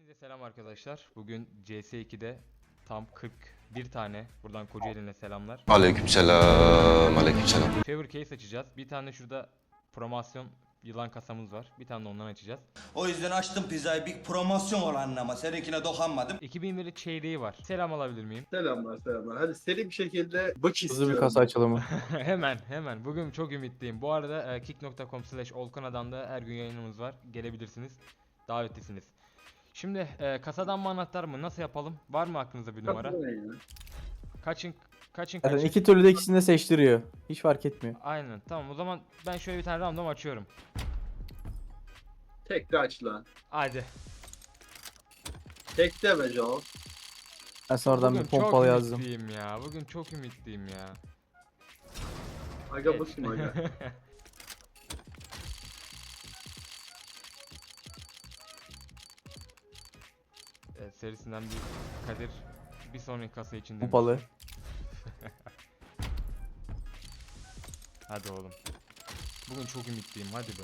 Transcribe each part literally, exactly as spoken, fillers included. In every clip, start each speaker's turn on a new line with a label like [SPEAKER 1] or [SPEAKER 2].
[SPEAKER 1] Herkese selam arkadaşlar. Bugün C S iki'de tam kırk bir tane, buradan Kocaeli'ne selamlar.
[SPEAKER 2] Aleykümselam, aleykümselam.
[SPEAKER 1] Favor case açacağız. Bir tane şurada promosyon yılan kasamız var. Bir tane de ondan açacağız.
[SPEAKER 3] O yüzden açtım pizzayı, bir promosyon olan ama seninkine dokunmadım.
[SPEAKER 1] iki bin birlik çeyreği var. Selam alabilir miyim?
[SPEAKER 4] Selamlar selamlar. Hadi seri bir şekilde bak
[SPEAKER 5] Hızlı
[SPEAKER 4] istiyorum.
[SPEAKER 5] bir kasa açılımı.
[SPEAKER 1] Hemen hemen. Bugün çok ümitliyim. Bu arada e, kick nokta com slash olkana'dan da her gün yayınımız var. Gelebilirsiniz. Davetlisiniz. Şimdi e, kasadan mı anahtar mı? Nasıl yapalım? Var mı aklınızda bir numara?
[SPEAKER 4] Kapatın ya.
[SPEAKER 1] Kaçın kaçın
[SPEAKER 5] Zaten
[SPEAKER 1] kaçın.
[SPEAKER 5] iki türlü de ikisini de seçtiriyor. Hiç fark etmiyor.
[SPEAKER 1] Aynen. Tamam o zaman ben şöyle bir tane random açıyorum.
[SPEAKER 4] Tek de aç lan.
[SPEAKER 1] Hadi.
[SPEAKER 4] Tek de be Joe.
[SPEAKER 5] Ben sonradan
[SPEAKER 1] Bugün
[SPEAKER 5] bir pompalı
[SPEAKER 1] çok
[SPEAKER 5] yazdım.
[SPEAKER 1] ümitliyim ya. Bugün çok ümitliyim ya.
[SPEAKER 4] Aga
[SPEAKER 1] Evet.
[SPEAKER 4] bakayım aga.
[SPEAKER 1] Evet, serisinden bir Kadir bir sonraki kasa için demiş.
[SPEAKER 5] Pompalı.
[SPEAKER 1] Hadi oğlum. Bugün çok ümitliyim, hadi be.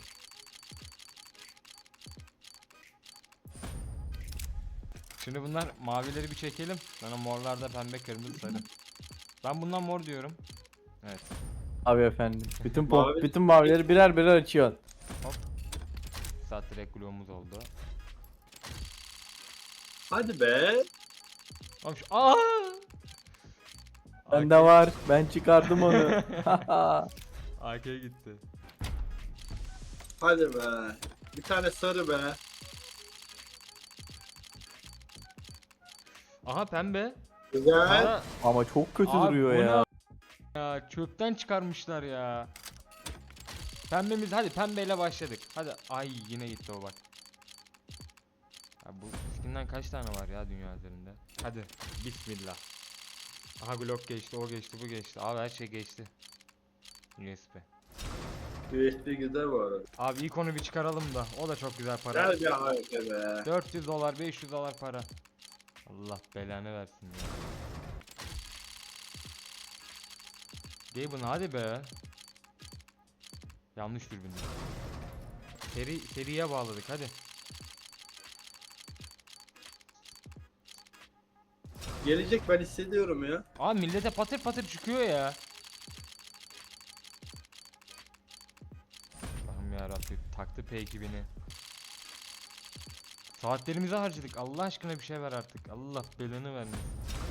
[SPEAKER 1] Şimdi bunlar mavileri bir çekelim. Sonra morlarda pembe, kırmızı, sarı. Ben bundan mor diyorum. Evet.
[SPEAKER 5] Abi efendim. Bütün pom
[SPEAKER 4] Mavi-
[SPEAKER 5] bütün mavileri birer birer açıyorsun.
[SPEAKER 1] Saat direkt gloğumuz oldu.
[SPEAKER 4] Hadi be.
[SPEAKER 1] Oğlum şu... Aa!
[SPEAKER 5] Bende var. Ben çıkardım onu.
[SPEAKER 1] A K gitti.
[SPEAKER 4] Hadi be. Bir tane sarı be.
[SPEAKER 1] Aha pembe.
[SPEAKER 4] Güzel.
[SPEAKER 1] Aa,
[SPEAKER 5] Ama çok kötü
[SPEAKER 1] Abi
[SPEAKER 5] duruyor
[SPEAKER 1] bu
[SPEAKER 5] ya.
[SPEAKER 1] ne ya, çöpten çıkarmışlar ya. Pembemiz, hadi pembeyle başladık. Hadi, ay yine gitti o bak. Ya bu skinden kaç tane var ya dünya üzerinde? Hadi bismillah. Aha Glock geçti, o geçti, bu geçti. Abi her şey geçti. U S B.
[SPEAKER 4] U S B güzel bu arada.
[SPEAKER 1] Abi ilk onu bir çıkaralım da, o da çok güzel para.
[SPEAKER 4] Gel bir harika be.
[SPEAKER 1] dört yüz dolar, beş yüz dolar para. Allah belanı versin ya. Gaben hadi be. Yanlış dürbün. Seri seriye bağladık hadi.
[SPEAKER 4] Gelecek ben hissediyorum ya.
[SPEAKER 1] Aa millete patır patır çıkıyor ya. Allah'ım yarabbim, taktı P ekibini. Saatlerimizi harcadık. Allah aşkına bir şey ver artık. Allah belanı vermesin.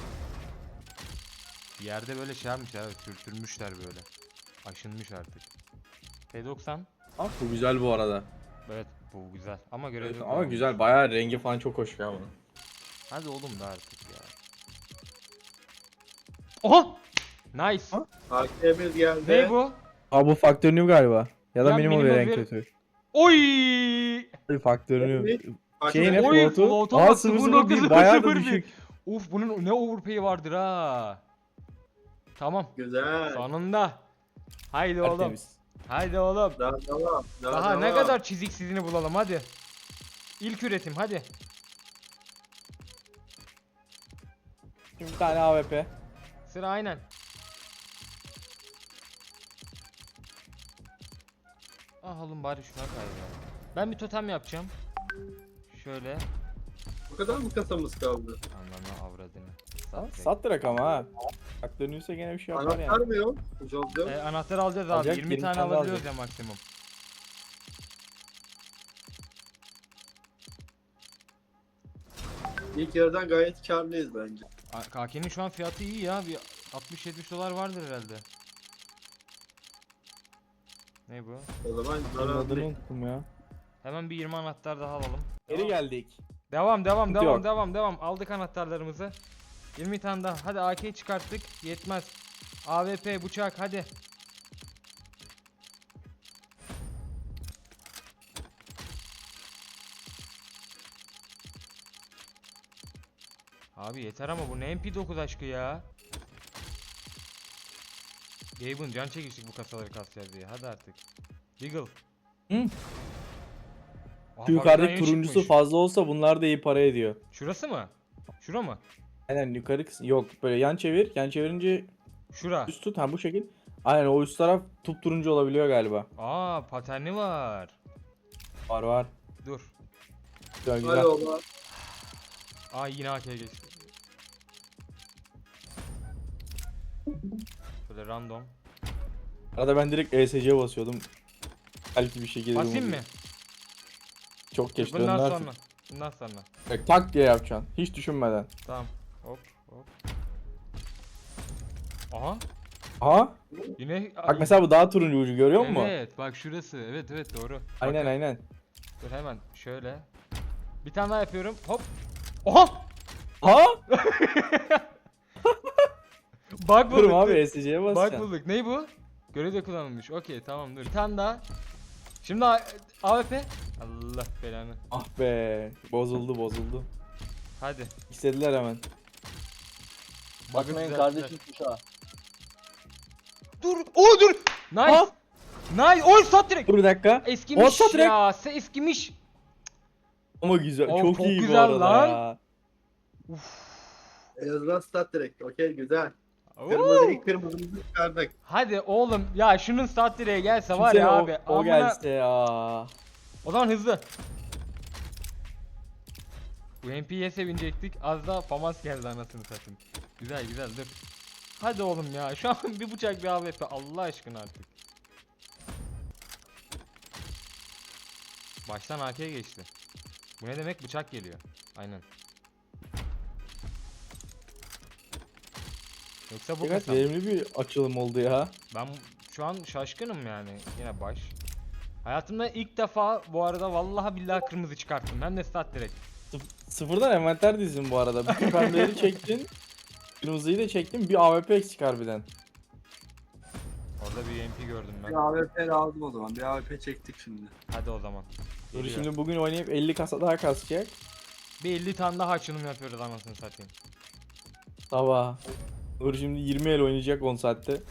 [SPEAKER 1] Yerde böyle şey yapmış ya, sürtürmüşler böyle. Aşınmış artık. P doksan.
[SPEAKER 5] Ama bu güzel bu arada.
[SPEAKER 1] Evet bu güzel ama görev
[SPEAKER 5] Evet,
[SPEAKER 1] yok
[SPEAKER 5] ama
[SPEAKER 1] ya.
[SPEAKER 5] güzel. Bayağı rengi falan çok hoş ya bunun.
[SPEAKER 1] Hadi oğlum da artık ya. Oha! Nice.
[SPEAKER 5] Ha?
[SPEAKER 4] A K'miz geldi.
[SPEAKER 1] Ne bu?
[SPEAKER 5] Aa bu Faktör New galiba. Ya da
[SPEAKER 1] Ya
[SPEAKER 5] minimum
[SPEAKER 1] minimum
[SPEAKER 5] bir renk
[SPEAKER 1] ver-
[SPEAKER 5] kötü.
[SPEAKER 1] Oy!
[SPEAKER 5] Faktör New.
[SPEAKER 4] Bak,
[SPEAKER 5] Şey ne
[SPEAKER 1] Oy,
[SPEAKER 5] float'u?
[SPEAKER 1] float'a
[SPEAKER 5] Aa
[SPEAKER 1] bak,
[SPEAKER 5] sıfır
[SPEAKER 1] sıfır
[SPEAKER 5] sıfır
[SPEAKER 1] nokta
[SPEAKER 5] bir
[SPEAKER 1] sıfır
[SPEAKER 5] bayağı da
[SPEAKER 1] sıfır bir.
[SPEAKER 5] düşük.
[SPEAKER 1] Uf bunun ne overpay'i vardır ha. Tamam.
[SPEAKER 4] Güzel.
[SPEAKER 1] Sonunda. Haydi oğlum.
[SPEAKER 5] Tertemiz.
[SPEAKER 1] Haydi oğlum.
[SPEAKER 4] Daha devam. Daha,
[SPEAKER 1] Daha ne
[SPEAKER 4] devam.
[SPEAKER 1] kadar çiziksizini bulalım hadi. İlk üretim hadi.
[SPEAKER 5] Şimdi bir tane A W P.
[SPEAKER 1] Sıra aynen. Ah oğlum bari şuna kay ya. Ben bir totem yapacağım. Şöyle.
[SPEAKER 4] Bu kadar mı kasamız kaldı?
[SPEAKER 1] Anlamı avradını.
[SPEAKER 5] Ha,
[SPEAKER 1] Sat
[SPEAKER 5] Sat direkt ama ha. Faktör New'se gene bir şey yapar
[SPEAKER 4] Anahtar
[SPEAKER 5] yani.
[SPEAKER 4] mı yok? Jojo.
[SPEAKER 1] e, anahtar alacağız abi.
[SPEAKER 5] Alacak,
[SPEAKER 1] yirmi
[SPEAKER 5] yirmi
[SPEAKER 1] tane
[SPEAKER 5] tane
[SPEAKER 1] alabiliyoruz
[SPEAKER 5] alacak.
[SPEAKER 1] ya maksimum.
[SPEAKER 4] İlk yarıdan gayet karlıyız bence.
[SPEAKER 1] K K'nin şu an fiyatı iyi ya. Bir altmış yetmiş dolar vardır herhalde. Ne bu?
[SPEAKER 4] O zaman
[SPEAKER 5] Bunun adını
[SPEAKER 4] zararlı.
[SPEAKER 5] unuttum ya.
[SPEAKER 1] Hemen bir yirmi anahtar daha alalım.
[SPEAKER 5] Geri
[SPEAKER 1] Devam.
[SPEAKER 5] geldik.
[SPEAKER 1] Devam devam
[SPEAKER 5] Sıkıntı
[SPEAKER 1] devam
[SPEAKER 5] yok.
[SPEAKER 1] devam devam. Aldık anahtarlarımızı. yirmi tane daha. Hadi A K'yi çıkarttık. Yetmez. A W P bıçak hadi. Abi yeter ama bu ne M P dokuz aşkı ya. Gaben can çekiştik bu kasaları kasacağız diye. Hadi artık. Deagle.
[SPEAKER 5] Hı?
[SPEAKER 1] Aha,
[SPEAKER 5] Şu yukarıdaki
[SPEAKER 1] harbiden yeni
[SPEAKER 5] turuncusu
[SPEAKER 1] çıkmış.
[SPEAKER 5] fazla olsa bunlar da iyi para ediyor.
[SPEAKER 1] Şurası mı? Şura mı?
[SPEAKER 5] Aynen yukarı kısım. Yok böyle yan çevir. Yan çevirince
[SPEAKER 1] Şura.
[SPEAKER 5] üst tut. Ha bu şekil. Aynen o üst taraf tup turuncu olabiliyor galiba.
[SPEAKER 1] Aa paterni var.
[SPEAKER 5] Var var.
[SPEAKER 1] Dur.
[SPEAKER 5] Güzel güzel.
[SPEAKER 4] Hadi oğlum.
[SPEAKER 1] Ay yine A K'ye geçti. Böyle random.
[SPEAKER 5] Arada ben direkt E S C'ye basıyordum. Belki bir şekilde
[SPEAKER 1] Basayım mı?
[SPEAKER 5] vurdu. Çok geç
[SPEAKER 1] Bundan
[SPEAKER 5] döndü
[SPEAKER 1] sonra. Bundan sonra.
[SPEAKER 5] artık. Tak diye yapacaksın. Hiç düşünmeden.
[SPEAKER 1] Tamam. Hop hop. Aha.
[SPEAKER 5] Aha.
[SPEAKER 1] Yine
[SPEAKER 5] Bak mesela bu daha turuncu ucu görüyor musun?
[SPEAKER 1] Evet bak şurası. Evet evet doğru.
[SPEAKER 5] Aynen
[SPEAKER 1] Bakın.
[SPEAKER 5] aynen.
[SPEAKER 1] Dur hemen şöyle. Bir tane daha yapıyorum. Hop. Oha!
[SPEAKER 5] Ha?
[SPEAKER 1] Bak
[SPEAKER 5] Dur
[SPEAKER 1] bulduk.
[SPEAKER 5] abi
[SPEAKER 1] dur.
[SPEAKER 5] E S C'ye
[SPEAKER 1] Bak
[SPEAKER 5] basacaksın.
[SPEAKER 1] bulduk. Ney bu? Görevde kullanılmış. Okey tamam dur. Bir tane daha. Şimdi A- AWP. Allah belanı.
[SPEAKER 5] Ah be. Bozuldu bozuldu.
[SPEAKER 1] Hadi.
[SPEAKER 5] İstediler hemen.
[SPEAKER 6] Bakmayın
[SPEAKER 1] düzelttiler.
[SPEAKER 6] kardeşim kuşağı.
[SPEAKER 1] Dur. Oo dur. Nice.
[SPEAKER 5] Ha?
[SPEAKER 1] Nice. Oy sat direkt.
[SPEAKER 5] Dur bir dakika.
[SPEAKER 1] Eskimiş
[SPEAKER 5] Olsa direkt-
[SPEAKER 1] ya. Se eskimiş.
[SPEAKER 5] Ama güzel.
[SPEAKER 1] Oo,
[SPEAKER 5] çok,
[SPEAKER 1] çok
[SPEAKER 5] iyi bu
[SPEAKER 1] güzel
[SPEAKER 5] arada
[SPEAKER 1] lan.
[SPEAKER 5] ya.
[SPEAKER 4] En azından stat direkt. Okey güzel.
[SPEAKER 1] Oo.
[SPEAKER 4] Kırmızı ilk kırmızımızı çıkardık.
[SPEAKER 1] Hadi oğlum ya şunun saat direğe gelse var
[SPEAKER 5] Kimse
[SPEAKER 1] ya
[SPEAKER 5] o,
[SPEAKER 1] abi.
[SPEAKER 5] o
[SPEAKER 1] amına-
[SPEAKER 5] gelse ya.
[SPEAKER 1] O zaman hızlı. Bu M P'ye sevinecektik. Az daha FAMAS geldi anasını satayım. Güzel güzel dur. Hadi oğlum ya. Şu an bir bıçak bir A W P. Allah aşkına artık. Baştan A K'ye geçti. Bu ne demek? Bıçak geliyor. Aynen. Yoksa bu
[SPEAKER 5] Evet
[SPEAKER 1] kısa.
[SPEAKER 5] verimli bir açılım oldu ya.
[SPEAKER 1] Ben şu an şaşkınım yani. Yine baş. Hayatımda ilk defa bu arada vallahi billahi kırmızı çıkarttım. Hem de stat direkt.
[SPEAKER 5] Sıf- Sıfırdan envanter dizdim bu arada. Bütün pembeleri çektin. Kırmızıyı da çektin. Bir A W P eksik harbiden.
[SPEAKER 1] Orada bir M P gördüm ben.
[SPEAKER 4] Bir A W P lazım o zaman. Bir A W P çektik şimdi.
[SPEAKER 1] Hadi o zaman.
[SPEAKER 5] Dur
[SPEAKER 1] Geliyor.
[SPEAKER 5] şimdi bugün oynayıp elli kasa daha kasacak.
[SPEAKER 1] Bir elli tane daha açılım yapıyoruz anasını satayım.
[SPEAKER 5] Sabah. Dur şimdi yirmi el oynayacak on saatte.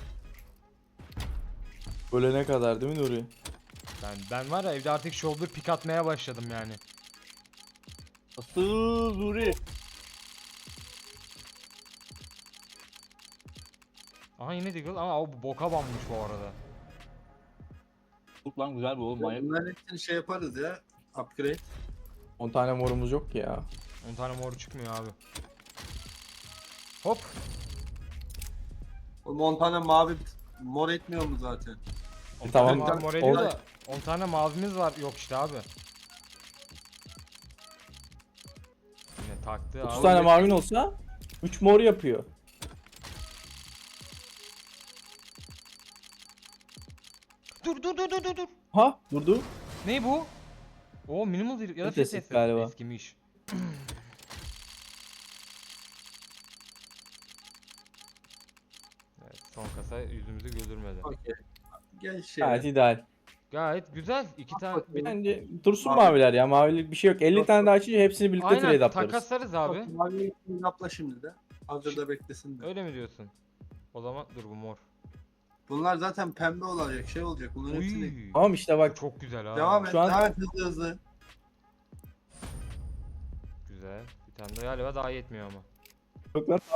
[SPEAKER 5] Ölene kadar değil mi Nuri?
[SPEAKER 1] Ben ben var ya evde artık shoulder pick atmaya başladım yani.
[SPEAKER 6] Asıl Nuri.
[SPEAKER 1] Aha yine Deagle ama o boka banmış bu arada.
[SPEAKER 6] Çok lan güzel bu oğlum manyak.
[SPEAKER 4] Bunların hepsini şey yaparız ya. Upgrade.
[SPEAKER 5] on tane morumuz yok ki ya.
[SPEAKER 1] on tane mor çıkmıyor abi. Hop.
[SPEAKER 4] Oğlum on tane mavi mor etmiyor mu zaten?
[SPEAKER 1] on
[SPEAKER 5] tamam,
[SPEAKER 1] tane mavi mor
[SPEAKER 5] on-
[SPEAKER 1] ediyor da on tane mavimiz var. Yok işte abi. Yine taktı
[SPEAKER 5] otuz
[SPEAKER 1] abi.
[SPEAKER 5] tane mavin olsa üç mor yapıyor.
[SPEAKER 1] Dur dur dur dur dur dur.
[SPEAKER 5] Ha durdu.
[SPEAKER 1] Ne bu? O minimal değil ya da
[SPEAKER 5] Ötesi
[SPEAKER 1] fetesi.
[SPEAKER 5] galiba.
[SPEAKER 1] Eskimiş. Evet, son kasa yüzümüzü güldürmedi.
[SPEAKER 4] Okey. Gel şey.
[SPEAKER 5] Gayet ideal.
[SPEAKER 1] Gayet güzel. İki tane. Bir...
[SPEAKER 5] Bence dursun
[SPEAKER 4] Mavi.
[SPEAKER 5] maviler ya. Mavilik bir şey yok. elli tane daha açınca hepsini birlikte trade
[SPEAKER 1] Aynen
[SPEAKER 5] atlarız.
[SPEAKER 1] takaslarız abi.
[SPEAKER 4] Mavi yapla şimdi de. Hazırda beklesin de.
[SPEAKER 1] Öyle mi diyorsun? O zaman dur bu mor.
[SPEAKER 4] Bunlar zaten pembe olacak, şey olacak. Bunların hepsini.
[SPEAKER 1] Uy.
[SPEAKER 5] Tamam işte bak.
[SPEAKER 1] Çok güzel ha.
[SPEAKER 4] Devam et,
[SPEAKER 5] Şu an-
[SPEAKER 4] devam et hızlı hızlı.
[SPEAKER 1] Güzel. Bir tane de galiba daha yetmiyor ama.
[SPEAKER 5] Çok lan.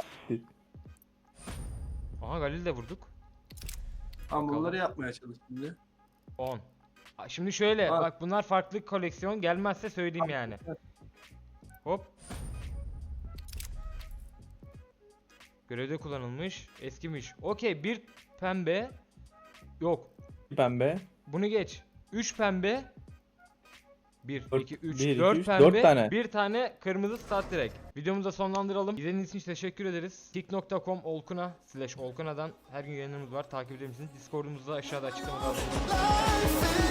[SPEAKER 1] Aha Galil de vurduk.
[SPEAKER 4] Ama
[SPEAKER 1] Bakalım.
[SPEAKER 4] bunları yapmaya çalış şimdi.
[SPEAKER 1] on. Aa, Şimdi şöyle
[SPEAKER 4] Bak.
[SPEAKER 1] bak bunlar farklı koleksiyon gelmezse söyleyeyim yani. Hop. Görevde kullanılmış. Eskimiş. Okey bir pembe. Yok.
[SPEAKER 5] Pembe.
[SPEAKER 1] Bunu geç. üç pembe. bir,
[SPEAKER 5] Dört-
[SPEAKER 1] iki, üç,
[SPEAKER 5] bir, iki,
[SPEAKER 1] dört
[SPEAKER 5] üç,
[SPEAKER 1] pembe.
[SPEAKER 5] dört tane.
[SPEAKER 1] bir tane kırmızı start direkt. Videomuzu da sonlandıralım. İzlediğiniz için teşekkür ederiz. kick nokta com olkuna slash olkuna'dan her gün yayınlarımız var. Takip edebilirsiniz. Discord'umuzda aşağıda açıklamada.